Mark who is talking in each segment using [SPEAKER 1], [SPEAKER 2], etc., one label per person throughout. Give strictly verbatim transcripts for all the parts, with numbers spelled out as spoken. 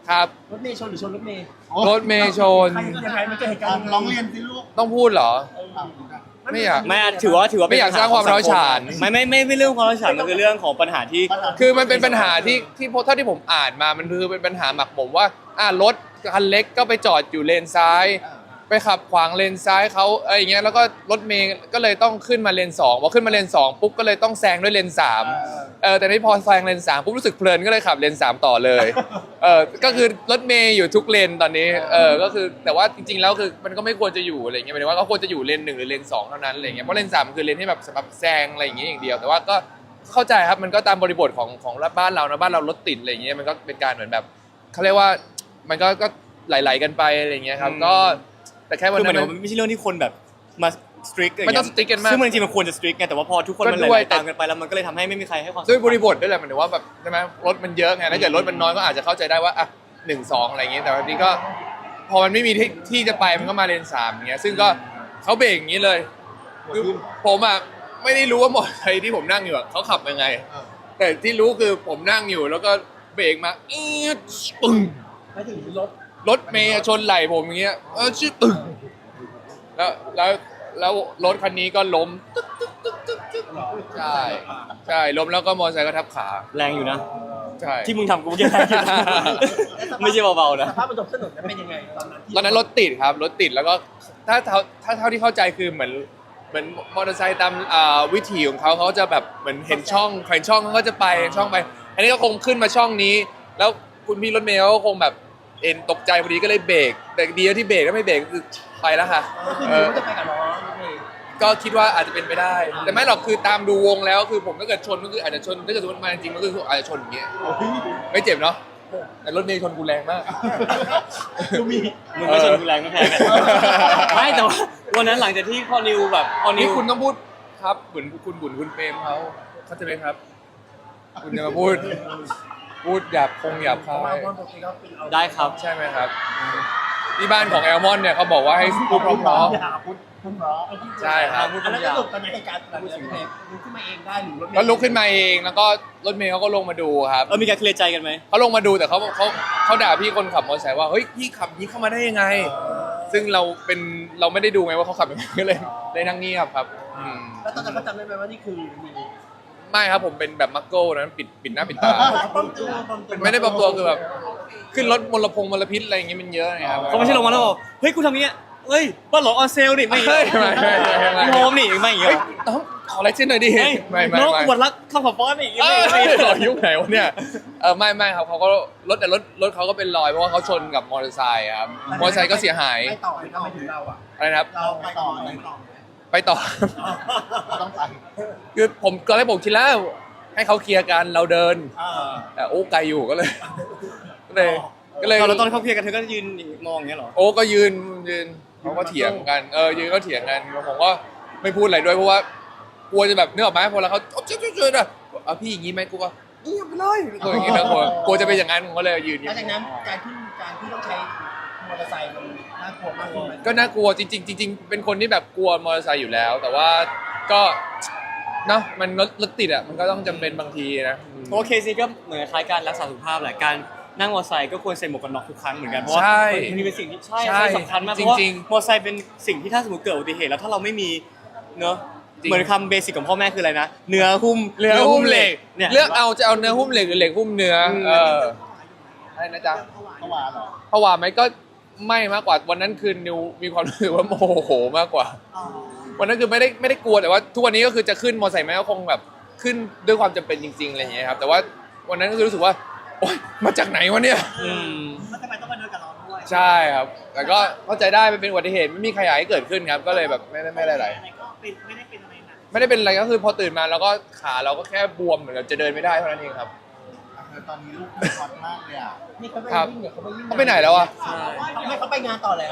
[SPEAKER 1] ครับ
[SPEAKER 2] รถเมย์ชนหรือชนรถเมย์
[SPEAKER 1] รถเมย์ชน
[SPEAKER 2] ใครยังไงมันเกิดเหตุการณ์
[SPEAKER 3] ร้องเรียนสิลูก
[SPEAKER 1] ต้องพูดเหรอ ไม่อยาก
[SPEAKER 4] ไม่ถือว่าถือว่า
[SPEAKER 1] ไม่อยากสร้างความร้าวฉาน
[SPEAKER 4] ไม่ไม่ไม่ไม่เรื่องความร้าวฉานมันคือเรื่องของปัญหาที่
[SPEAKER 1] คือมันเป็นปัญหาที่ที่เท่าที่ผมอ่านมามันคือเป็นปัญหาหมักหมมว่าอ่ารถคันเล็กก็ไปจอดอยู่เลนซ้าย ไปขับขวางเลนซ้ายเขาอะไรอย่างเงี้ยแล้วก็รถเมย์ก็เลยต้องขึ้นมาเลนสองพอขึ้นมาเลนสองปุ๊บก็เลยต้องแซงด้วยเลนสามเออแต่นี่พอแซงเลนสามปุ๊บรู้สึกเพลินก็เลยขับเลนสามต่อเลยเออก็คือรถเมย์อยู่ทุกเลนตอนนี้เออก็คือแต่ว่าจริงๆแล้วคือมันก็ไม่ควรจะอยู่อะไรเงี้ยหมายถึงว่าก็ควรจะอยู่เลนหนึ่งหรือเลนสองเท่านั้นอะไรเงี้ยเพราะเลนสามคือเลนที่แบบสำหรับแซงอะไรอย่างเงี้ยอย่างเดียวแต่ว่าก็เข้าใจครับมันก็ตามบริบทของของบ้านเรานะบ้านเรารถติดอะไรเงี้ยมันก็เป็นการเหมือนแบบเขาเรียกว่ามันก็ก็ไหลๆกันไปอะไรเงี้ยครับก็แต่แค่วัน
[SPEAKER 4] คือห
[SPEAKER 1] นั้
[SPEAKER 4] มัน
[SPEAKER 1] น
[SPEAKER 4] มันไม่ใช่เรื่องที่คนแบบมาสตริก
[SPEAKER 1] ไม่ต้อง strict กันมาก
[SPEAKER 4] ซึ่งมันจริงๆมันควรจะสตริกไงแต่ว่าพอทุกคนมัน
[SPEAKER 1] ก็
[SPEAKER 4] ไห
[SPEAKER 1] ด้วย
[SPEAKER 4] ลๆตามกันไปแล้วมันก็เลยทำให้ไม่มีใครให้ความสำคัญ
[SPEAKER 1] ด้วยบริบทด้วยแหละหมายถึงว่าแบบใช่ไหมรถมันเยอะไงถ้าเกิดรถมันน้อยก็อาจจะเข้าใจได้ว่าอ่ะหนึ่งสองอะไรอย่างเงี้ยแต่วันนี้ก็พอมันไม่มีที่ที่จะไปมันก็มาเลนสามอย่างเงี้ยซึ่งก็เขาเบรกอย่างนี้เลยคือผมอ่ะไม่ได้รู้ว่ามอเตอร์ไซค์ที่ผมนั่งอยู่อ่ะเขาขับยังไง แต่ที่รู้คือผมนั่งอยู่แล้วก็เบรกมาอีดปึ้ง
[SPEAKER 2] ไม่ถึงรถ
[SPEAKER 1] รถเมย์ชนไหล่ผมอย่างเงี้ยเออชื่อตึ้งแล้วแล้วแล้วรถคันนี้ก็ล้มตึ๊กตึ๊กตึ๊กตึ๊กตึ๊กใช่ใช่ล้มแล้วก็มอเตอร์ไซค์ก็ทับขา
[SPEAKER 4] แรงอยู่นะ
[SPEAKER 1] ใช่
[SPEAKER 4] ที่มึงทำกูเมื่อกี้แรงอยู่นะไม่ใช่เบาๆนะ
[SPEAKER 2] สภาพบนถนนนั้นเป็นยังไงตอนนั้นที่
[SPEAKER 1] ตอนนั้นรถติดครับรถติดแล้วก็ถ้าเท่าถ้าเท่าที่เข้าใจคือเหมือนเหมือนมอเตอร์ไซค์ตามอ่าวิถีของเขาเขาจะแบบเหมือนเห็นช่องเห็นช่องเขาก็จะไปช่องไป อันนี้ก็คงขึ้นมาช่องนี้ แล้วคุณพี่รถเมล์ก็คงแบบเอ็นตกใจพอดีก็เลยเบรกแต่ดีที่เบรกก็ไม่เบรกคือไปแล้วค่ะ
[SPEAKER 2] ก็คือ
[SPEAKER 1] เอ
[SPEAKER 2] รู้
[SPEAKER 1] อ
[SPEAKER 2] ว่าจะไปกับน้องรถเมย์
[SPEAKER 1] ก็คิดว่าอาจจะเป็นไปได้ แต่ไม่หรอกคือตามดูวงแล้วคือผมถ้าเกิดชนก็คืออาจจะชนถ้าเกิดสมมติมาจริงๆมันก็คืออาจจะชนอย่างเงี้ยไม่เจ็บเนาะแต่รถเมล์ชนกูแรงมาก
[SPEAKER 2] ดูมี
[SPEAKER 4] มึงก็ชนกูแรงไม่แพ้กันไม่แต่ว่าวันนั้นหลังจากที่พอนิวแบบพอนิ
[SPEAKER 1] นี่
[SPEAKER 4] ว
[SPEAKER 1] คุณต้องพูดครับเหมือนคุณบุญคุณเปรมเขาเข้าใจไหมครับ คุณจะมาพูดพูดหยาบคงหยาบคา
[SPEAKER 2] ว่าย ว่าปกติก็เป็นเอา
[SPEAKER 4] ได้ครับ
[SPEAKER 1] ใช่ไหมครับที่บ้านของแอลมอนเนี่ยเขาบอกว่าให้พูดเพราะ
[SPEAKER 2] อย่าพูดพูดเพราะ
[SPEAKER 1] ๆใช่ครับ
[SPEAKER 2] อันนั้นสรุปตอนนั้นเหตุการณ์หลังจากที่ลุกขึ้นมาเองได้หรือรถเมย์
[SPEAKER 1] ก็ลุกขึ้นมาเองแล้วก็รถเมล์เขาก็ลงมาดูครับ
[SPEAKER 4] เออมีการเคลียร์ใจกันไหม
[SPEAKER 1] เขาลงมาดูแต่เขาเขาเขาด่าพี่คนขับมอเตอร์ไซค์ว่าเฮ้ยพี่ขับนี้เข้ามาได้ยังไง ซึ่งเราเป็นเราไม่ได้ดูไงว่าเขาขับยังไงก็เลยเลยนั่งเงียบครับอืม
[SPEAKER 2] แล้วตอนนั้นเขาจำได้ไหมว่านี่คือมี
[SPEAKER 1] ไม่ครับผมเป็นแบบมักโก้นั้นปิดปิดหน้าปิดตา
[SPEAKER 2] ป้อมตัวป้อมตัว
[SPEAKER 1] ไม่ได้ปลอมตัวคือแบบขึ้นรถมลพงมลพิษอะไรอย่างเงี้ยมันเยอะไงครับ
[SPEAKER 4] เขาไม่ใช่ลงมาแล้วบอกเฮ้ยกูทำอย่างเงี้ยเฮ้ยบ้านหลงออนเซลนี่ไม่
[SPEAKER 1] เฮ้ยไม่ไม่ไม่ไม่
[SPEAKER 4] พี่โฮมนี่ไม่อย่างเงี้
[SPEAKER 1] เฮ้
[SPEAKER 4] ย
[SPEAKER 1] ยน้องขอลายเส้นหน่อยดิ
[SPEAKER 4] เฮ้ย
[SPEAKER 1] ไม่ไม่
[SPEAKER 4] น้อง
[SPEAKER 1] ไม่
[SPEAKER 4] อวดรักข้าวผัดฟอนนี่
[SPEAKER 1] เอ้ย
[SPEAKER 4] ไม่ไม่
[SPEAKER 1] หล่อยุคไหนวะเนี่ยเออไม่ไม่ครับเขาก็รถแต่รถรถเขาก็เป็นรอยเพราะว่าเขาชนกับมอเตอร์ไซค์ครับมอเตอร์ไซค์ก็เสียหาย
[SPEAKER 2] ไม่ต่อไม่ต่อไม่ถึงเราอ่ะ
[SPEAKER 1] อะไรนะครับ
[SPEAKER 2] เราไปต่อไปต่อ
[SPEAKER 1] ไปต่อ
[SPEAKER 3] ต้องไป
[SPEAKER 1] คือผมตอนแรกผมคิดแล้ว ให้เขาเคลียร์กันเราเดิน
[SPEAKER 2] อ่า
[SPEAKER 1] แต่โอ้ไกลอยู่ก็เลย ก็เลยก็เลย
[SPEAKER 4] ตอนแล้วตอนเขาเคลียร์กันเธอก็ยืนมองอย่างเงี้ยเหรอ
[SPEAKER 1] โอ้ก็ยืนยืนเขาก็เถียงกันเออยืนก็เถียงกันผมก็ไม่พูดอะไรด้วยเพราะว่ากลัวจะแบบนึกออกไหมพอแล้วเขาเจ๊เจ๊เจ๊นะเอาพี่อย่างงี้ไหมกูก็เงียบไปเลยตัวอย่างงี้นะกลัวกลัวจะเป็นอย่างนั้นผมก็เลยยืน
[SPEAKER 2] หลังจากนั้นการที่การที่ต้องใช้มอเตอร์ไซค์มันน่ากลัวมากขึ้นไหม
[SPEAKER 1] ก็น่ากลัวจริงๆจริงๆเป็นคนที่แบบกลัวมอเตอร์ไซค์อยู่แล้ว แต่ว่าก็เนาะมันรถรถติดอ่ะมันก็ต้องจำเป็นบางทีนะ
[SPEAKER 4] เพราะว่าเคสนี้ก็เหมือนคล้ายการรักษาสุขภาพแหละการนั่งมอเตอร์ไซค์ก็ควรใส่หมวกกันน็อกทุกครั้งเหมือนกันเพราะว่า
[SPEAKER 1] ใช่
[SPEAKER 4] มันเป็นสิ่งที่ใช่
[SPEAKER 1] ใช่
[SPEAKER 4] ใช่สำคัญมากเพราะว่า
[SPEAKER 1] จริง
[SPEAKER 4] มอเตอร์ไซค์เป็นสิ่งที่ถ้าสมมติเกิดอุบัติเหตุแล้วถ้าเราไม่มีเนอะ
[SPEAKER 1] จริง
[SPEAKER 4] เหมือนคำเบสิกของพ่อแม่คืออะไรนะเนื้อหุ้ม
[SPEAKER 1] เรือหุ้มเหล็ก
[SPEAKER 4] เนี่ย
[SPEAKER 1] เลือกเอาจะเอาเนื้อหุ้มเหล็กหรือเหล็กหุ้มเนื้อ
[SPEAKER 4] อืม
[SPEAKER 1] เอออะไรนะจ๊ะ
[SPEAKER 3] เมื่อวานเหรอ
[SPEAKER 1] ผวาไหมก็ไม่มากกว่าวันนั้นคือนิวมีความรู้สึกว่าโมโหมากกว่า วันนั้นคือไม่ได้ไม่ได้กลัวแต่ว่าทุกวันนี้ก็คือจะขึ้นมอเตอร์ไซค์ไหมก็คงแบบขึ้นด้วยความจำเป็นจริงๆอะไรอย่างเงี้ยครับแต่ว่าวันนั้นก็คือรู้สึกว่าโอ๊ยมาจากไหนวะเนี่ย
[SPEAKER 4] อืม
[SPEAKER 2] แล้วทำไมต้องมาเดินกับเราด้วย
[SPEAKER 1] ใช่ครับ แต่ก็เข้าใจได้มันเป็นอุบัติเหตุไม่มีใครอยากให้เกิดขึ้นครับ ก็เลยแบบไม่ได้ไม่ได้อะไร
[SPEAKER 2] ก็เป็นไม่ได้เป็นอะไรหนัก
[SPEAKER 1] ไม่ได้เป็นอะไรก็คือพอตื่นมาแล้วก็ขาเราก็แค่บวมเหมือนกับจะเดินไม่ได้เท่านั้นเองครับ
[SPEAKER 3] ตอนนี้ลูกมีฮอตมากเลยอ่ะ
[SPEAKER 2] นี่เขาไป
[SPEAKER 1] ครับ
[SPEAKER 2] วิ่งเนี่ยเขาไปวิ่ง
[SPEAKER 1] เขาไปไหนแล้วอะ
[SPEAKER 4] ใช่
[SPEAKER 2] ไม่เขาไปงานต่อแล้ว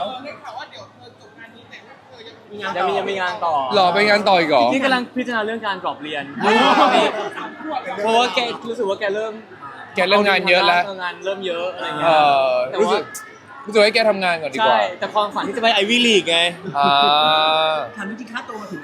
[SPEAKER 2] มีงาน
[SPEAKER 4] ยังมียังมีงานต่อ
[SPEAKER 1] หล่อไปงานต่ออีกเหรอ
[SPEAKER 4] ที่กำลังพิจารณาเรื่องการกรอบเรียนเพราะว่าแกรู้สึกว่าแกเริ่ม
[SPEAKER 1] แกเริ่มงานเยอะแล้ว
[SPEAKER 4] งานเริ่มเยอะอะไร
[SPEAKER 1] เอ
[SPEAKER 4] เงี้ย
[SPEAKER 1] อ
[SPEAKER 4] แต่
[SPEAKER 1] รู้
[SPEAKER 4] ว่า
[SPEAKER 1] สึกรู้สึกให้แกทำงานก่อนดีก
[SPEAKER 4] ใช่
[SPEAKER 1] ว่า
[SPEAKER 4] แต่ความฝันที่จะไปไอวิลีกไง
[SPEAKER 1] อ่า
[SPEAKER 2] ถามจริงๆค่าตัวมาถึงไหนบ้างไหม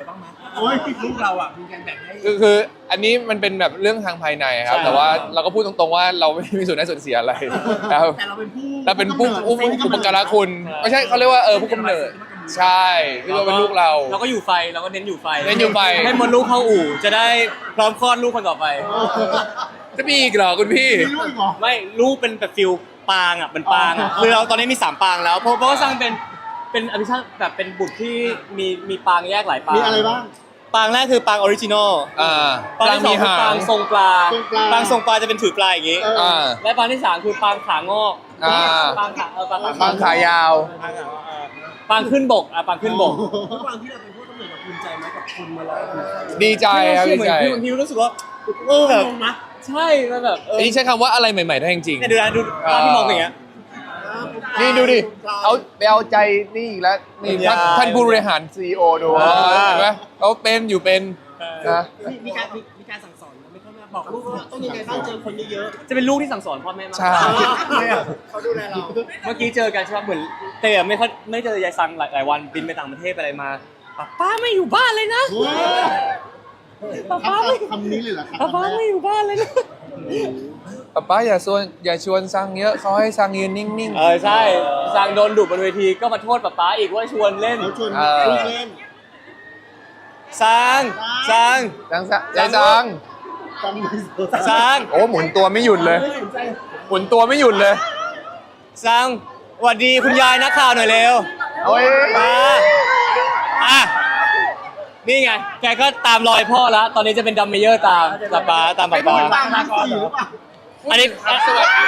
[SPEAKER 2] โอ้ยลูกเราอ่ะมีการแบ่งให้
[SPEAKER 1] คือคืออันนี้มันเป็นแบบเรื่องทางภายในครับ
[SPEAKER 4] ใช่
[SPEAKER 1] แต่ว่าเราก็พูดตรงๆว่าเราไม่มีส่วนได้ส่วนเสียอะไรครับ
[SPEAKER 2] แต่เราเป็นผู้
[SPEAKER 1] เราเป็นผู้ผู้อุปการะคุณไม่ใช่เขาเรียกว่าเออผู้กำเนิดใช่คือเราเป็นลูกเรา
[SPEAKER 4] เราก็อยู่ไฟเราก็เน้นอยู่ไฟ
[SPEAKER 1] เน้นอยู่ไฟ
[SPEAKER 4] ให้มดลูกเข้าอู่จะได้พร้อมคลอดลูกคนต่อไป
[SPEAKER 1] จะมีอีกเหรอคุณพี่
[SPEAKER 3] มีลูกอีกเหรอ
[SPEAKER 4] ไม่ลูกเป็นแบบฟิลปางอ่ะเป็นปางอ่ะคือเราตอนนี้มีสามปางแล้วเพราะเพราะว่าสร้างเป็นเป็นอภิชาติแบบเป็นบุตรที่มีมีปางแยกหลายปาง
[SPEAKER 3] มีอะไรบ้าง
[SPEAKER 4] ปางแรกคือปางออริจินอล
[SPEAKER 1] อ่า
[SPEAKER 4] ปางที่สองคือปางทรงปลา
[SPEAKER 3] ทรงปลา
[SPEAKER 4] ปางทรงปลาจะเป็นถือปลาอย่างงี้
[SPEAKER 3] เออ
[SPEAKER 1] อ่า
[SPEAKER 4] และปางที่สามคือปางขางอก
[SPEAKER 1] อ่า
[SPEAKER 4] ปางขาเออปางขา
[SPEAKER 1] บางขายาว
[SPEAKER 4] ปางขางอกเออปางขึ้นบกอ่ะปางขึ้นบก
[SPEAKER 2] ทุกวันที่เราเป็นผู้กำเนิดเราภูมิใจไหมกับคุณมาแล้ว
[SPEAKER 1] ดีใจครับ
[SPEAKER 4] ที่
[SPEAKER 1] ดี
[SPEAKER 4] เหมือน
[SPEAKER 1] ใจ
[SPEAKER 4] พี่พี่รู้สึกว่าเออแบบ
[SPEAKER 2] งงนะ
[SPEAKER 4] ใช่มันแบบเออ
[SPEAKER 1] อันนี้ใช้คำว่าอะไรใหม่ๆได้จริง
[SPEAKER 4] เนี่ยดูนะดูตอนที่มองอย่างเงี้ย
[SPEAKER 1] ๆนี่ดูดิเอาไปเอาใจนี่อีกแล้วนี่ท่าน
[SPEAKER 4] ยาย
[SPEAKER 1] ท่านผู้บริหารซีอีโอดู
[SPEAKER 4] อ่า
[SPEAKER 1] เห็นไหมเขาเป็นอยู่เป็นนะ
[SPEAKER 2] มีมีการมีมีการสั่งสอนไหมครับบอกลูกว่าต้องยังไงบ้างเจอคนเยอะ
[SPEAKER 4] จะเป็นลูกที่สั่งสอนพ่อแม่มาก
[SPEAKER 1] ใช่
[SPEAKER 2] ๆเขาดูแลเรา
[SPEAKER 4] เมื่อกี้เจอกันใช่ไหมเหมือนเตะไม่ค่อยไม่เจอยายซังหลายหลายวันบินไปต่างประเทศไปอะไรมาป้าป้าไม่อยู่บ้านเลยนะ
[SPEAKER 3] โอ้ย
[SPEAKER 4] ป้าป้าไม่
[SPEAKER 3] คำนี้เลยเหรอครับ
[SPEAKER 4] ป้าป้าไม่อยู่บ้านเลยนะ
[SPEAKER 1] ป๊าป๊าอย่าชวนอย่าชวนสั่งเยอะเขาให้สั่งยืนนิ่ง
[SPEAKER 4] เออใช่ซังโดนดุบนเวทีก็มาโทษป้าป้าอีกว่าชวนเล่น
[SPEAKER 3] เขาชวน
[SPEAKER 1] เออ
[SPEAKER 3] ลูกเล่น
[SPEAKER 4] ซังซัง
[SPEAKER 1] ๆสั่งซะยายสั่ง
[SPEAKER 3] จำไม่สด
[SPEAKER 4] ซัง
[SPEAKER 1] โอ้หมุนตัวไม่หยุดเลย หมุนตัวไม่หยุดเลย
[SPEAKER 4] ซังสวัสดีคุณยายนักข่าวหน่อยเร็ว
[SPEAKER 1] โอ้ย
[SPEAKER 4] มาอ่ะนี่ไงแกก็ตามรอยพ่อแล้วตอนนี้จะเป็นดัมเมเยอร์ตามป้าป้าตามป้าป้า
[SPEAKER 3] ปางมาก่อนหรือเปล่า
[SPEAKER 4] อันนี้สวัสดี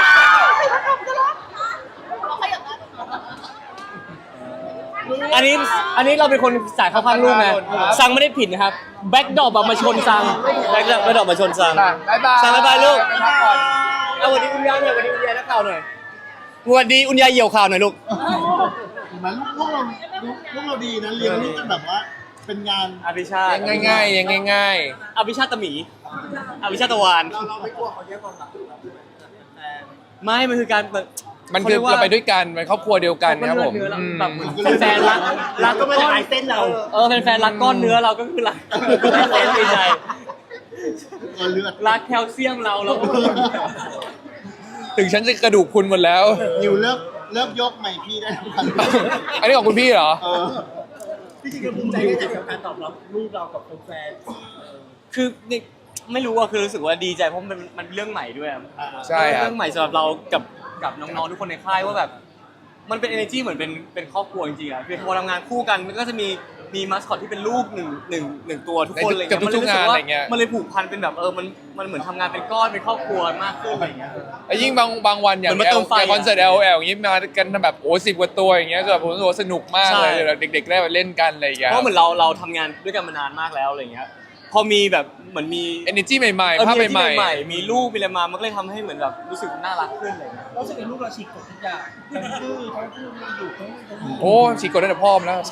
[SPEAKER 4] อันนี้อันนี้เราเป็นคนสายเข้าข้างลูกไงซังไม่ได้ผิดนะครับแบ็กดอปมาชนซังแบ็กดอปแบ็กดอปมาชนซัง
[SPEAKER 1] บายบาย
[SPEAKER 4] ซังบ๊ายบายลูก
[SPEAKER 1] ไปพักผ่อน
[SPEAKER 4] เอาสวัสดีคุณยายหน่อยสวัสดีคุณยายนักข่าวหน่อยสวัสดีคุณยายเหี่ยวข่าวหน่อยลูก
[SPEAKER 3] เห็นไหมลูกลูกเราลูกลูกเราดีนะเลี้ยงลูกกันแบบว่า เป็นงาน
[SPEAKER 4] อภิชาติ
[SPEAKER 1] ยังง่ายๆยังง่าย
[SPEAKER 4] อภิชาติตะหมีอภิชาติตะวาน
[SPEAKER 2] เราเราไม่กลัวเขาแย่งความรักแต่
[SPEAKER 4] ไม่มันคือการ
[SPEAKER 1] ๆ มันคือเราไปด้วยกันเป็นครอบครัวเดียวกันครับผม
[SPEAKER 4] เนื้อเรา
[SPEAKER 1] อืม
[SPEAKER 4] แบบเหมือนแฟนๆรักรัก
[SPEAKER 2] ก็ไม่
[SPEAKER 4] ก้
[SPEAKER 2] ได้
[SPEAKER 4] อน
[SPEAKER 2] หายเส้นเรา
[SPEAKER 4] เออแฟนๆรักก้อนเนื้อเราก็คือรักเล่นดีใจ
[SPEAKER 3] เออเลือด
[SPEAKER 4] รักแคลเซียมเราเราก็
[SPEAKER 1] ถึงฉันจะกระดูกคุณหมดแล้ว
[SPEAKER 3] นิวเลิกเลิกยกใหม่พี่ได้ทุกคัน
[SPEAKER 1] อันนี้ของคุณพี่เหรอ
[SPEAKER 3] เออ
[SPEAKER 2] ที่จริงๆภูมิใจได้จากการตอบรับลูกเรากับแฟน
[SPEAKER 4] คือนี่ไม่รู้อะคือรู้สึกว่าดีใจเพราะมันมันเรื่องใหม่ด้วยอะ
[SPEAKER 1] ใช่ครับ
[SPEAKER 4] เรื่องใหม่สำหรับเรากับกับน้องๆทุกคนในค่ายว่าแบบมันเป็น energy เหมือนเป็นเป็นครอบครัวจริงๆอะคือพอทำงานคู่กันมันก็จะมีมีมัสคอตที่เป็นลูกหนึ่งหนึ่งหนึ่งตัวทุกคนอะไร
[SPEAKER 1] กับ
[SPEAKER 4] เงี้ย
[SPEAKER 1] ทุกๆงานอะไรเงี้ย
[SPEAKER 4] มันเลยผูกพันเป็นแบบเออมันมันเหมือนทำงานเป็นก้อนเป็นครอบครัวมากขึ้นอะไรเงี้ย
[SPEAKER 1] แล้วยิ่งบางบางวันอย่าง
[SPEAKER 4] เหมือนมา
[SPEAKER 1] แอ
[SPEAKER 4] เติ
[SPEAKER 1] ล
[SPEAKER 4] มไฟ
[SPEAKER 1] คอนเสิร์ต L L อย่างนี้มากันแบบโอ้สิบกว่าตัวอย่างเงี้ยก็แบบผมรู้สึกว่าสนุกมากเลย
[SPEAKER 4] ใช่
[SPEAKER 1] เด็กๆได้มาเล่นกันอะไรอย่างเงี้ย
[SPEAKER 4] เพราะเหมือนเราเราทำงานด้วยกันมานานมากแล้วอะไรเงี้ยพอมีแบบเหมือนมี
[SPEAKER 1] เอเนจีใหม่
[SPEAKER 4] เออ
[SPEAKER 1] ๆภาพ
[SPEAKER 4] มี
[SPEAKER 1] ใหม่
[SPEAKER 4] ที่ใหม่ๆมีลูกมีอะไรมามันก็เลยทำให้เหมือนแบบรู้สึกน่ารักขึ้นอะไรเงี้ย
[SPEAKER 2] ๆเราสึกเป็นลูกเราฉีกกฎทุกอย่างทั้งดื้อทั้งพูดไม่หยุดทั้งทั้ง
[SPEAKER 1] ๆ โอ้ฉีกกดตั้งแต่พ่อมแล้ว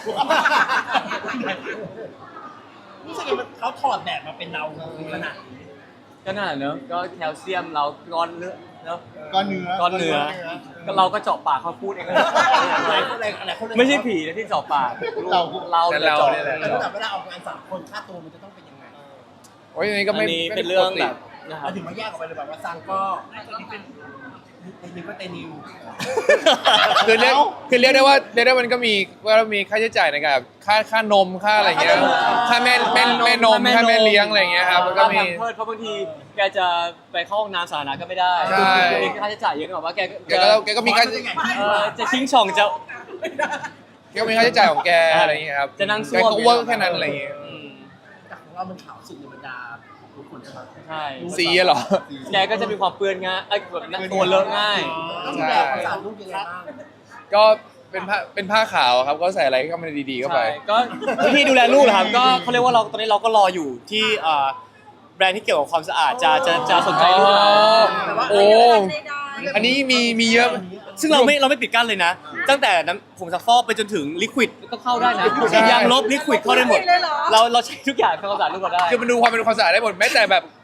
[SPEAKER 2] รู้สึกว่าเขาถอดแบบมาเป็นเราขนาดนี้
[SPEAKER 4] ก็น่าเนอะก็แคลเซียมเราก้อนเนื้อเนอะ
[SPEAKER 3] ก้อนเนื้อ
[SPEAKER 4] ก้อนเนื้อก็เราก็เจาะปากเขาพูดเอง
[SPEAKER 2] อะไรอะไรอะไรคน
[SPEAKER 4] ไม่ใช่ผีนะที่เจาะปากเราเรา
[SPEAKER 1] แต่
[SPEAKER 4] เนี่ย
[SPEAKER 1] เรา
[SPEAKER 4] เจาะ
[SPEAKER 1] เนี่ยแหละ
[SPEAKER 2] แล้วแบบเวลาออกงานสามคนค่าตัวมันจะต้องเป็นยังไง
[SPEAKER 1] โอ้ยอันนี้ก็
[SPEAKER 4] อัน
[SPEAKER 1] ไม่
[SPEAKER 4] นี้
[SPEAKER 1] ไม่
[SPEAKER 4] เป็นเรื่อง
[SPEAKER 1] ปกติ
[SPEAKER 4] แบบนะครับ
[SPEAKER 2] มันถึงมาแยกออกไปเลยแบบว่าซังก็เป็นนิวก็เตนิว
[SPEAKER 1] คือเรียกคือเรียกได้ว่าเรียกได้ว่ามันก็มีว่ามีค่าใช้จ่ายในการแบบค่าค่านมค่าอะไรเงี้ยค่าแม่แม่แม่นมค่าแม่เลี้ยงอะไรเงี้ยครับมันก็มี
[SPEAKER 4] ค่าแพมเพิร์สเพราะบางทีแกจะไปเข้าห้องน้ำสาธารณะก็ไม่ได้
[SPEAKER 1] ใช่
[SPEAKER 4] มีค่าใช้จ่ายเยอะกว่าว่าแก
[SPEAKER 1] แกก็แกก็มีค่า
[SPEAKER 4] เออจะชิงช่องจะ
[SPEAKER 1] แกก็มีค่าใช้จ่ายของแกอะไรเงี้ยครับ
[SPEAKER 4] จะนั่งซ่
[SPEAKER 1] แก
[SPEAKER 4] วม
[SPEAKER 1] ก็เวิร์กแค่นั้นอะไรเงี้ย
[SPEAKER 4] อืม
[SPEAKER 2] แต่ของเรามันขาวสุดในบรรดาทุกคนใช่ไหม
[SPEAKER 4] ใช่
[SPEAKER 1] สีอะเหรอ
[SPEAKER 4] แกก็จะมีความเปื้อนง่ายไอ้ยแบบนั้นตัวเลอะง่าย
[SPEAKER 2] ต้องดูแลความสะอาดลูกยังไงบ้าง
[SPEAKER 1] ก็เป็นผ้าเป็นผ้าขาวครับก็ใส่อะไรเข้ามาดีๆเข้าไป
[SPEAKER 4] ใช่ก็วิธีดูแลลูกเหรอครับก็เขาเรียกว่าเราตอนนี้เราก็รออยู่ที่อ่าแบรนด์ที่เกี่ยวกับความสะอาดจะจะจะสนใจลูกเรา
[SPEAKER 1] โอ้ อันนี้มีมีเยอะ
[SPEAKER 4] ซึ่งเราไม่เราไม่ปิดกั้นเลยนะ ตั้งแต่น้ำผงซักฟอกไปจนถึงลิควิดก็เข้าได้นะ
[SPEAKER 1] ใช่
[SPEAKER 4] ยางลบลิควิดเข้าได้หมด เราเราใช้ทุกอย่างทำความสะอาดลูกเราได้
[SPEAKER 1] คือมันดูความเป็นความสะอาดได้หมดแม้แต่แบบ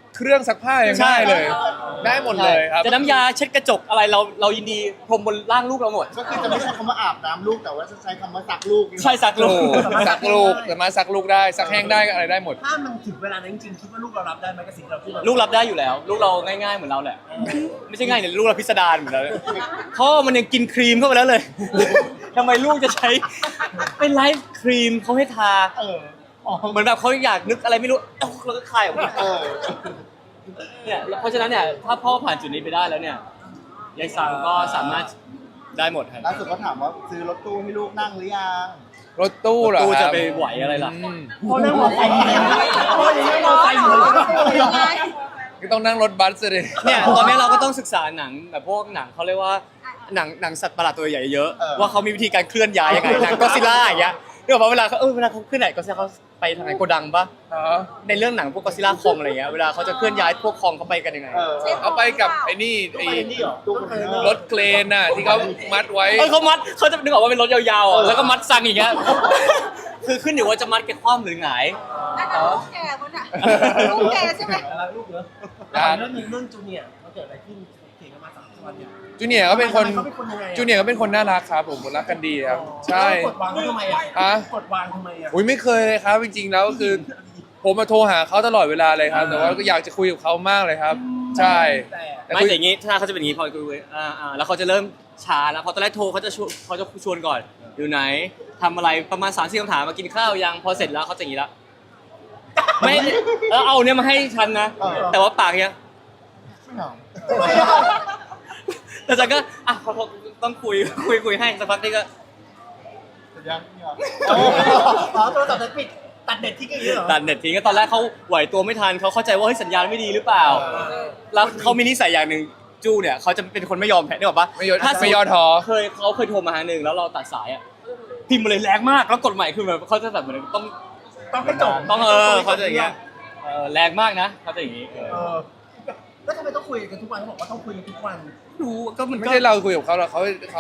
[SPEAKER 1] เครื่องซักผ้ายังได้เลย ได้หมดเลยครับ
[SPEAKER 4] จะน้ำยาเช็ดกระจกอะไรเราเรายินดีพรมบนร่างลูกเราหมด
[SPEAKER 3] ก็คือจะไม่ใช้คำว่าอาบน้ำลูกแต่ว่าจะใช้คำว่าซักลูก
[SPEAKER 4] ใช่สักลู
[SPEAKER 1] ลู
[SPEAKER 4] ก
[SPEAKER 1] กซักลูกสามารถซักลูกได้ซักแห้งได้อะไรได้หมด
[SPEAKER 2] ถ้ามันถึงเวลานั้นจริงๆคิดว่าลูกเรารับได้ไหมกับสิ่งที่เราพูด
[SPEAKER 4] ลูกรับได้อยู่แล้ว ลูกเราง่ายๆเหมือนเราแหละ ไม่ใช่ง่ายเนี่ยลูกเราพิสดารเหมือนเราเลยเพราะมันยังกินครีมเข้าไปแล้วเลย ทำไมลูกจะใช้เป็นไลฟ์ครีมเขาให้ทา
[SPEAKER 3] เอออ๋อ
[SPEAKER 4] เหมือนแบบเขาอยากนึกอะไรไม่รู้เอ้าเราก็คลายออกมา
[SPEAKER 3] เออ
[SPEAKER 4] เนี่ยเพราะฉะนั้นเนี่ยถ้าพ่อผ่านจุดนี้ไปได้แล้วเนี่ยยายซังก็สามารถได้หมดครับ
[SPEAKER 3] ล่าสุดก็ถามว่าซื้อรถตู้ให้ลูกนั่งหรือยัง
[SPEAKER 1] รถตู้เหรอ
[SPEAKER 4] ตู้
[SPEAKER 1] ค
[SPEAKER 4] จะ
[SPEAKER 1] รับ
[SPEAKER 4] ไปไหวอะไรล่ะ
[SPEAKER 1] อืม
[SPEAKER 2] พ่อนั่งมอไซค์อยู่เลยพ่อยังนั่งมอไซค์อยู่เลย
[SPEAKER 1] ก็ต้องนั่งรถบัสเลย
[SPEAKER 4] เนี่ยตอนนี้เราก็ต้องศึกษาหนังแบบพวกหนังเขาเรียกว่าหนังหนังสัตว์ประหลาดตัวใหญ่เยอะว่าเขามีวิธีการเคลื่อนย้ายยังไงหนังก็ซิล่าอย่างเงี้ยเรื่องว่าเวลาเขาเออเวลาเขาขึ้นไหนก็ซิล่าเขาไปทางไหนโกดังปะ
[SPEAKER 1] อ๋อ
[SPEAKER 4] ในเรื่องหนังพวกก็ซิล่าคองอะไรเงี้ยเวลาเขาจะเคลื่อนย้ายพวกคองเขาไปกันยังไง
[SPEAKER 3] เออ
[SPEAKER 1] เอาไปกับไอ้นี่ไอ้
[SPEAKER 2] ไปนี่เหรอ
[SPEAKER 3] ตู้คอนเทนเนอร์
[SPEAKER 1] รถเครนน่ะที่เขามัดไว้
[SPEAKER 4] เออเขามัดเขาจะนึกออกว่าเป็นรถยาวๆอ่ะแล้วก็มัดซังอย่างเงี้ยคือขึ้นอยู่ว่าจะมัดแกคว่ำหรือหงาย
[SPEAKER 5] อันนั้นลูกแกมันอะลูกแกใช่ไหม
[SPEAKER 2] รักลูกเนอะเรื่องหนึงเรื่องจูเนียร์มันเกิดอะไรขึ้นเถียงกันมาสามวันเนี่ย
[SPEAKER 1] จูเนียร์ก็เป็นคน
[SPEAKER 2] เขาเป็นคนยังไงอะ
[SPEAKER 1] จูเนียร์ก็เป็นคนน่ารักครับผมรักกันดีครับ ใช่
[SPEAKER 2] กดวางเขาทำไมอ่ะ
[SPEAKER 1] อะ
[SPEAKER 2] กดวางทำไมอ่ะ
[SPEAKER 1] อุ้ยไม่เคยเลยครับ จริงๆแล้วก็คือ ผมมาโทรหาเขาตลอดเวลาเลยครับ แต่ว่าก็อยากจะคุยกับเขามากเลยครับ ใช่
[SPEAKER 2] แต่
[SPEAKER 1] แต่
[SPEAKER 4] ไม่
[SPEAKER 1] คุย
[SPEAKER 4] แต่อย่างงี้ถ้าเขาจะเป็นอย่างงี้พอคุยอ่าอ่าแล้วเขาจะเริ่มช้าแล้วพอตอนแรกโทรเขาจะชวนเขาจะชวนก่อนอยู่ไหนทำอะไรประมาณสามสี่คำถามมากินข้าวยังพอเสร็จแล้วเขาจะอย่างงี้ละไม่เออเอาเนี่ยมาให้ฉันนะ แต่ว่าปากเนี้ย
[SPEAKER 3] ไม่เหงา
[SPEAKER 4] แล้วฉันก็อ่ะเขาต้องคุยคุยคุยให้สักพักนี่ก็
[SPEAKER 3] แต่ยังไม่เหงา
[SPEAKER 2] อ๋อโทรศัพท์จะปิดตัดเน็ตทิ้งอย่างนี้เหรอ
[SPEAKER 4] ตัดเน็ตทิ้งก็ตอนแรกเขาไหวตัวไม่ทันเขาเข้าใจว่าเฮ้ยสัญญาณไม่ดีหรือเปล่า แล้วเขามีนิสัยอย่างหนึ่งจู้เนี่ยเขาจะเป็นคนไม่ยอมแพ้ได้บอกปะ
[SPEAKER 1] ไม่ยอม
[SPEAKER 4] ถ้า
[SPEAKER 1] ไม่ย่อท้อ
[SPEAKER 4] เคยเขาเคยโทรมาหาหนึ่งแล้วเราตัดสายอ่ะพิมพ์มาเลยแรงมากแล้วกดใหม่คือแบบเขาจะแบบเหมือนต้อง
[SPEAKER 2] ต้องให้จบ
[SPEAKER 4] ต้องเออเขาจะอย่างเงี้ยเออแรงมากนะเขาจะอย่างงี้เออ
[SPEAKER 2] เออแล้วทำไมต้องคุยกันทุกวันเขาบอกว่าต้องคุยกันทุกวัน
[SPEAKER 4] รู้ก็มัน
[SPEAKER 1] ไม่
[SPEAKER 4] ก็
[SPEAKER 1] ใช่เราคุยกับเขาหรอกเขาเขา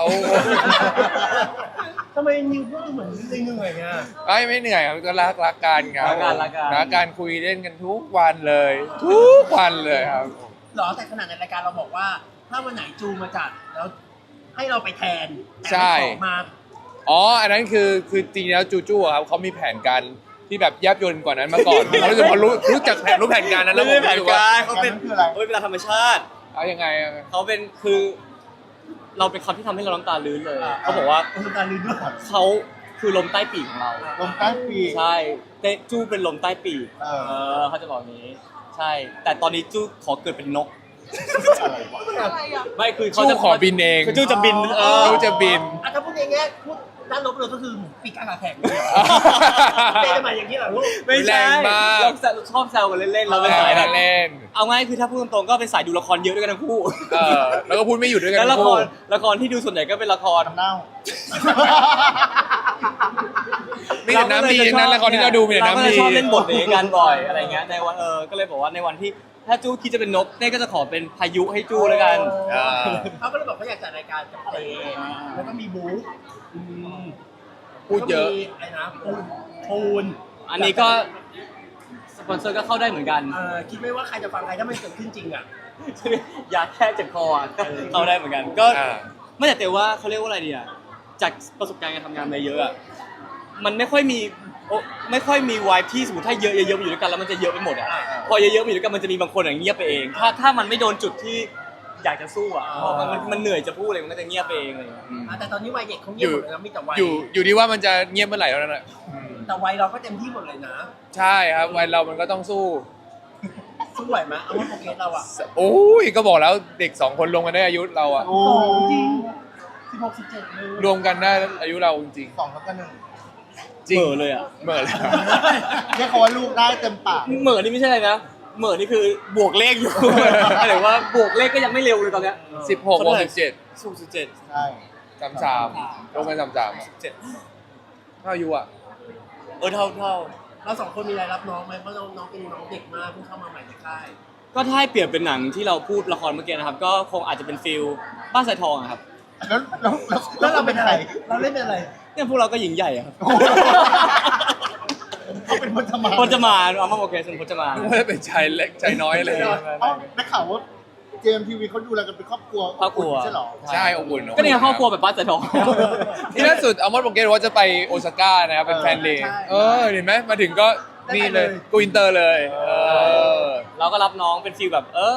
[SPEAKER 2] ทำไมนิวพูดเหมือนเหนื่อยๆไง
[SPEAKER 1] ไอ้ไม่เหนื่อยครับก็รักรักกันครับ
[SPEAKER 4] รักกันรักกัน
[SPEAKER 1] รักกันคุยเล่นกันทุกวันเลย ทุกวันเลยครับ
[SPEAKER 2] หรอแต่ขนาดในรายการเราบอกว่า ถ้าวันไหนจูมาจัดแล้วให้เราไปแทนแต่
[SPEAKER 1] ใช่
[SPEAKER 2] ไม่ขอมา
[SPEAKER 1] อ๋อ อันนั้นคือคือจริงๆแล้วจูจูอะครับเขามีแผนการที่แบบยับยนกว่านั้นมาก่อน เขารู้สึกพอรู้รู้จักแผนรู้แผนการนั้นแล้วผม
[SPEAKER 4] ไม่ใช่แผ
[SPEAKER 1] รู้
[SPEAKER 4] น
[SPEAKER 1] สึกว่า
[SPEAKER 4] การเขาเป็น
[SPEAKER 3] นั้นคืออะไร
[SPEAKER 4] เขาเป็นเวลาธรรมชาติ
[SPEAKER 1] เอายังไงอะ
[SPEAKER 4] เขาเป็นคือ เราเป็นคำที่ทำให้เราน้ำตาลื้นเลยเขาบอกว่า
[SPEAKER 2] คุณการลืมด้วย
[SPEAKER 4] เขาคือลมใต้ปีกของเรา
[SPEAKER 3] ลมใต้ปีก
[SPEAKER 4] ใช่เตจู้เป็นลมใต้ปีก
[SPEAKER 3] เออ
[SPEAKER 4] เออเขาจะบอกอย่างนี้ ใช่ แต่ตอนนี้จู้ขอเกิดเป็นนก
[SPEAKER 3] อะไรวะ
[SPEAKER 5] อะไรอ่ะ
[SPEAKER 4] ไม่คือเขา
[SPEAKER 1] จู
[SPEAKER 4] จะ
[SPEAKER 1] ขอบินเอง
[SPEAKER 4] คือจู้จะบินเออ
[SPEAKER 1] จูจะบิน
[SPEAKER 2] อ่ะถ้าพูดในแง่พูดด้านลบเลยก็คือปีกกาแข็งเลยเต้นมาอย่างนี้เหรอลูก
[SPEAKER 4] ไม่
[SPEAKER 1] แร
[SPEAKER 4] ใช่
[SPEAKER 1] งมาก
[SPEAKER 4] เราชอบแซวกันเล่นๆเราเป็นสายแบบ
[SPEAKER 1] เล่น
[SPEAKER 4] เอาง่ายคือถ้าพูดตรงๆก็เป็นสายดูละครเยอะด้วยกันทั้งคู่
[SPEAKER 1] เออแล้วก็พูดไม่หยุดด้วยกัน
[SPEAKER 4] แล้วละ
[SPEAKER 1] ทั้ง
[SPEAKER 4] ค
[SPEAKER 1] คู่
[SPEAKER 4] รละครที่ดูส่วนใหญ่ก็เป็นละคร
[SPEAKER 3] น้ำเน่า
[SPEAKER 1] มีแต่น้ำดีทั้งนั้นละครที่เราดูมีแต่
[SPEAKER 4] เราก็
[SPEAKER 1] น้ำ
[SPEAKER 4] จะ
[SPEAKER 1] ดี
[SPEAKER 4] ชอบเล่นบทนี้กันบ่อยอะไรเงี้ยในวันเออก็เลยบอกว่าในวันที่ถ้าจู้คิดจะเป็นนกเต้ก็จะขอเป็นพายุให้จู้แล้วกัน
[SPEAKER 1] เออ
[SPEAKER 2] เขาก็เลยบอกเขาอยากจัดรายการกับเต้แล้วก็มีบูธ
[SPEAKER 1] พูดเยอะ
[SPEAKER 2] แล้วก็มีไอ้นะปูนปูน
[SPEAKER 4] อันนี้ก็สปอนเซอร์ก็เข้าได้เหมือนกัน
[SPEAKER 2] เออคิดไม่ว่าใครจะฟังใครถ้ามันเกิดขึ้นจริงอ่ะ
[SPEAKER 4] ยาแค่เจ็บคออ่ะเข้าได้เหมือนกัน ก็
[SPEAKER 1] อ่า
[SPEAKER 4] ไม่แต่แต่ว่าเขาเรียกว่าอะไรดีอ่ะจากประสบการณ์การทำงานมาเยอะอ่ะมันไม่ค่อยมีโอ้ไม่ค่อยมีวายที่สมมติถ้าเยอะเยอะๆมาอยู่ด้วยกันแล้วมันจะเยอะไปหมดอ่ะพอเยอะๆมาอยู่ด้วยกันมันจะมีบางคนอย่างเงียบไปเอง ถ้าถ้ามันไม่โดนจุดที่อยากจะสู้อ่ะพอมันมันมันเหนื่อยจะพูดอะไรมันก็จะเงียบไปเองอะไรอย่างเลย
[SPEAKER 1] อืม
[SPEAKER 2] อ่ะแต่ตอนนี้วัยเด็กเขาเงียบหมดเลยนะมีแต่วัย
[SPEAKER 1] อยู่อยู่ที่ว่ามันจะเงียบเมื่อไหร่เท่านั้นแหละอืม
[SPEAKER 2] แต่วัยเราก็เต็มที่หมดเลยนะ
[SPEAKER 1] ใช่ครับวัยเรามันก็ต้องสู้
[SPEAKER 2] สู้ไหวไหมเอาว่าโปรเกรสเราอ่ะ
[SPEAKER 1] โอ้ยก็บอกแล้วเด็กสองคนรวมกันได้อายุเราอะ
[SPEAKER 3] โอ้
[SPEAKER 2] จริงสิบหกสิบเจ็ดเลย
[SPEAKER 1] รวมกันได้อายุเราจริง
[SPEAKER 3] สองแล้วก็หนึ่ง
[SPEAKER 1] ๆจริง
[SPEAKER 4] เหม่อเลยอ่ะ
[SPEAKER 1] เหม่อเลย
[SPEAKER 3] เรียกเขาว่าลูกได้เต็มปาก
[SPEAKER 4] เหม่อนี่ไม่ใช่อะไรนะเหม่อนี่คือบวกเลขอยู่ หมายถึงว่าบวกเลขก็ยังไม่เร็วเลยตอนเนี้ย
[SPEAKER 1] สิบหกบวกสิบเจ็ด
[SPEAKER 4] สูงสิบเจ็ด
[SPEAKER 3] ใช่
[SPEAKER 1] สามสามรวมกันสามสาม
[SPEAKER 4] เจ็ด
[SPEAKER 1] เท่าอายุอะ
[SPEAKER 4] เออเท่าเท่า
[SPEAKER 2] เราสองคนมีอะไรรับน้องไหมเพราะน้องน้องเป็นน้องเด็กมากเพิ่งเข้ามาใหม่ในค่าย
[SPEAKER 4] ก็ถ้าให้เปรียบเป็นหนังที่เราพูดละครเมื่อกี้นะครับ ก็คงอาจจะเป็นฟิลบ้านสายทองอะครับ
[SPEAKER 3] แล้วแล้วแล้ว
[SPEAKER 2] แล้วเราเป็นอะไร เราเล่นเป็นอะไร
[SPEAKER 4] เนี่ยพวกเราก็หญิงใหญ่อะครับ
[SPEAKER 3] เเป็นพจมาน
[SPEAKER 4] พจมานเอามาโอเคเป็นพจมาน
[SPEAKER 1] นึกว่าจะเป็นชายเล็กชายน้อยอะไรอย่างเงี้ย
[SPEAKER 3] เอ้าได้ข่าวว่าเจมส์ทีวีเขาดูแลกันเป็นครอบครัว
[SPEAKER 4] ครอบครัว
[SPEAKER 3] ใช่หรอ
[SPEAKER 1] ใช่อบอุ่น
[SPEAKER 4] ก็เนี่ยครอบครัวแบบบ้านสายทอง
[SPEAKER 1] ที่ล่าสุดอัลมอนด์โปรเกตว่าจะไปโอซาก้านะครับเป็นแฟนเดย์เออเห็นไหมมาถึงก็นี่เลยกูอินเตอร์เลยเออ
[SPEAKER 4] เราก็รับน้องเป็นฟีลแบบเออ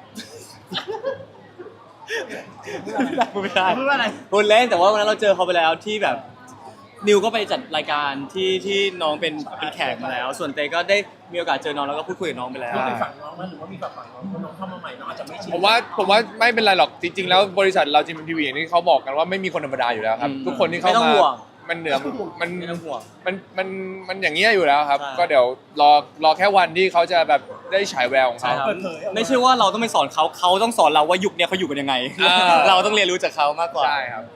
[SPEAKER 4] พูดไม่ได้
[SPEAKER 2] พูดว่าอะไร
[SPEAKER 4] พูดเล่นแต่ว่าวันนั้นเราเจอเขาไปแล้วที่แบบนิวก็ไปจัดรายการที่ที่น้องเป็นเป็นแขกมาแล้ว ส่วนเตก็ได้มีโอกาสเจอน้องแล้วก็พูดคุยกับน้องไปแล้ว
[SPEAKER 2] เราไปฝั่งน้องมั้ยหรือว่ามีฝั่งฝั่งน้องคนน้องเข้ามาใหม่น้องอาจจะไม่ชิน
[SPEAKER 1] ผมว่าผมว่าไม่เป็นไรหรอกจริงๆแล้วบริษัทเราจิมทีวีอย่างที่เขาบอกกันว่าไม่มีคนธรรมดาอยู่แล้วครับ
[SPEAKER 4] อืม
[SPEAKER 1] ทุกคนที่เข้า
[SPEAKER 4] ไม่ต้อง
[SPEAKER 1] มา
[SPEAKER 4] ห่วง
[SPEAKER 1] มันเหนือมัน
[SPEAKER 4] ไม่ต้องห่วง
[SPEAKER 1] มันมันมันอย่างเงี้ยอยู่แล้วครับ
[SPEAKER 4] ใช่
[SPEAKER 1] ก็เดี๋ยวรอรอแค่วันที่เขาจะแบบได้ฉายแววของ
[SPEAKER 4] ใช่
[SPEAKER 1] เขา
[SPEAKER 4] ครับไม่ใช่ว่าเราต้องไปสอนเขาเขาต้องสอนเราว่ายุคเนี้ยเขาอยู่กันยังไง
[SPEAKER 1] อ่า
[SPEAKER 4] เราต้องเรียนรู้จากเขามากกว่า
[SPEAKER 1] ใช่ครับ